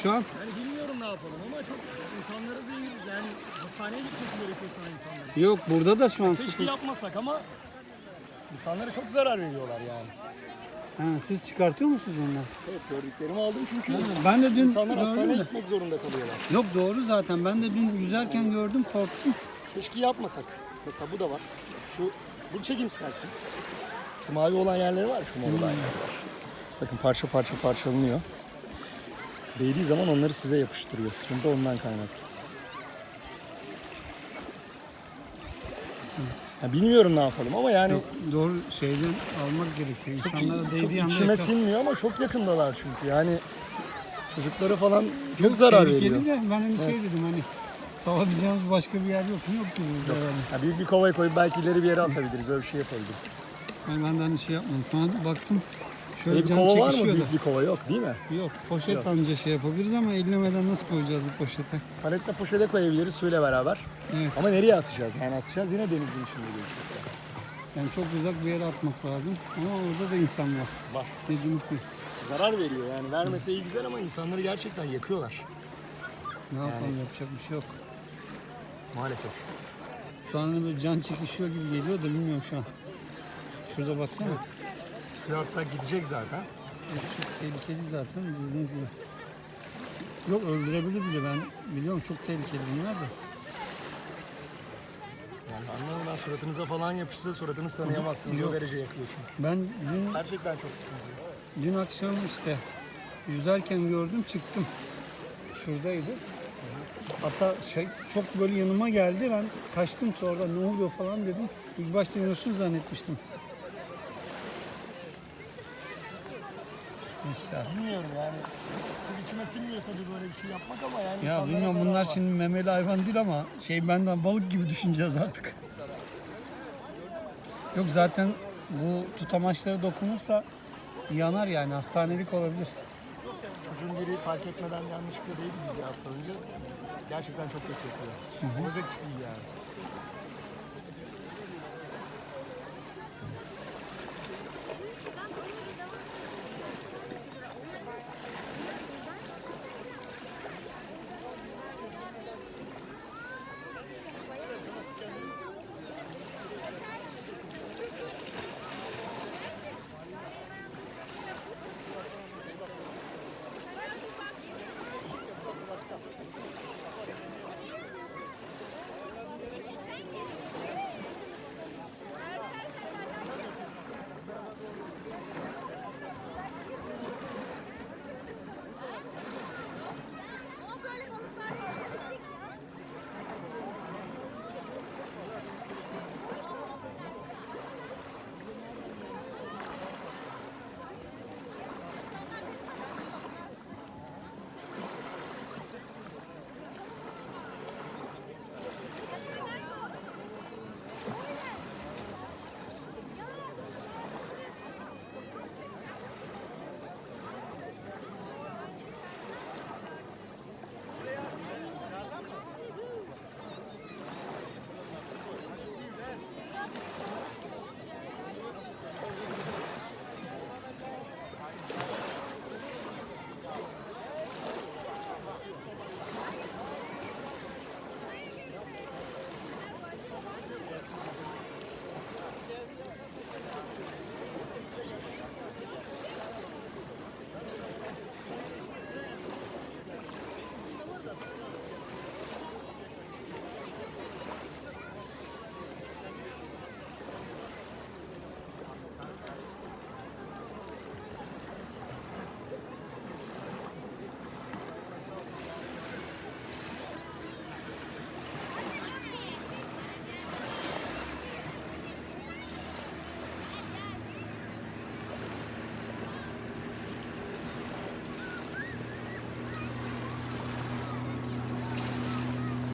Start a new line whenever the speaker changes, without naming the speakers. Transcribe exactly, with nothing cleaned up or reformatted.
Şu an
Yani bilmiyorum ne yapalım ama çok insanlara zehir. Yani hastaneye gitmesi gerekiyor sana insanların.
yok, burada da şu an
Keşke
sıkıntı.
yapmasak ama insanlara çok zarar veriyorlar yani.
Ha, siz çıkartıyor musunuz onları?
Evet, gördüklerimi aldım çünkü.
Ha, ben de dün
İnsanlar
gördüm
hastaneye
de.
gitmek zorunda kalıyorlar.
Yok, doğru zaten. Ben de dün yüzerken gördüm, korktum.
Keşke yapmasak. Mesela bu da var. Şu, bunu çekin isterseniz. Şu mavi olan yerleri var ya, şu mor olan yerler var. Bakın parça parça parçalanıyor. Değdiği zaman onları size yapıştırıyor. Sıkıntı ondan kaynaklı. Ya bilmiyorum ne yapalım ama yani
Yok, doğru şeyden almak gerekiyor. İnsanlara
çok
değdiği anda
içime
yakar.
sinmiyor ama çok yakındalar çünkü. Yani çocukları falan çok zarar
Tehlikeli
veriyor.
de ben hani şey dedim, hani salabileceğimiz başka bir yer yok mu? Yok gibi. Yok.
Ya büyük bir kovaya koyup belki ileri bir yere atabiliriz. Öyle bir şey yapabiliriz.
Yani ben de hani şey yapmadım. Sonra baktım şöyle
Öyle bir
can
kova var mı?
çekişiyor da.
Büyük bir kova yok değil mi?
Yok, poşet
Yok.
anca şey yapabiliriz ama ellemeden nasıl koyacağız bu poşete?
Paletle poşete koyabiliriz suyla beraber.
Evet.
Ama nereye atacağız? Yani atacağız yine denizin içinde gözüküyor.
Yani çok uzak bir yere atmak lazım. Ama orada da insan var.
Var.
Dediğiniz gibi.
Zarar veriyor yani. Vermese iyi güzel ama insanları gerçekten yakıyorlar.
Ne yapalım, yapacak bir şey yok.
Maalesef.
Şu an hani böyle can çekişiyor gibi geliyor da bilmiyorum şu an. Şurada baksana.
Evet. Suya atsak gidecek zaten.
Evet, çok tehlikeli zaten dediğiniz gibi. Yok, öldürebilir bile, ben biliyorum, çok tehlikeli bunlar da.
Yani anlamadan suratınıza falan yapışsa suratınızı tanıyamazsınız.
Yok.
O derece yakıyor çünkü.
Ben dün,
Gerçekten çok sıkıntı.
dün akşam işte yüzerken gördüm, çıktım. Şuradaydı. Hatta şey, çok böyle yanıma geldi, ben kaçtım, sonra ne oluyor falan dedim. İlk başta Yunus'un zannetmiştim. Mesela.
Bilmiyorum yani. Çok içime sinmiyor tabii böyle bir şey yapmak ama yani
Ya
insanlara
bilmiyorum,
zarar
bunlar
var.
şimdi memeli hayvan değil ama şey, benden balık gibi düşüneceğiz artık. Yok, zaten bu tutamaçlara dokunursa yanar, yani hastanelik olabilir.
Çocuğun biri fark etmeden yanlışlıkla değdi bir hafta önce. Gerçekten çok kötü yapıyor. Olacak iş değil yani.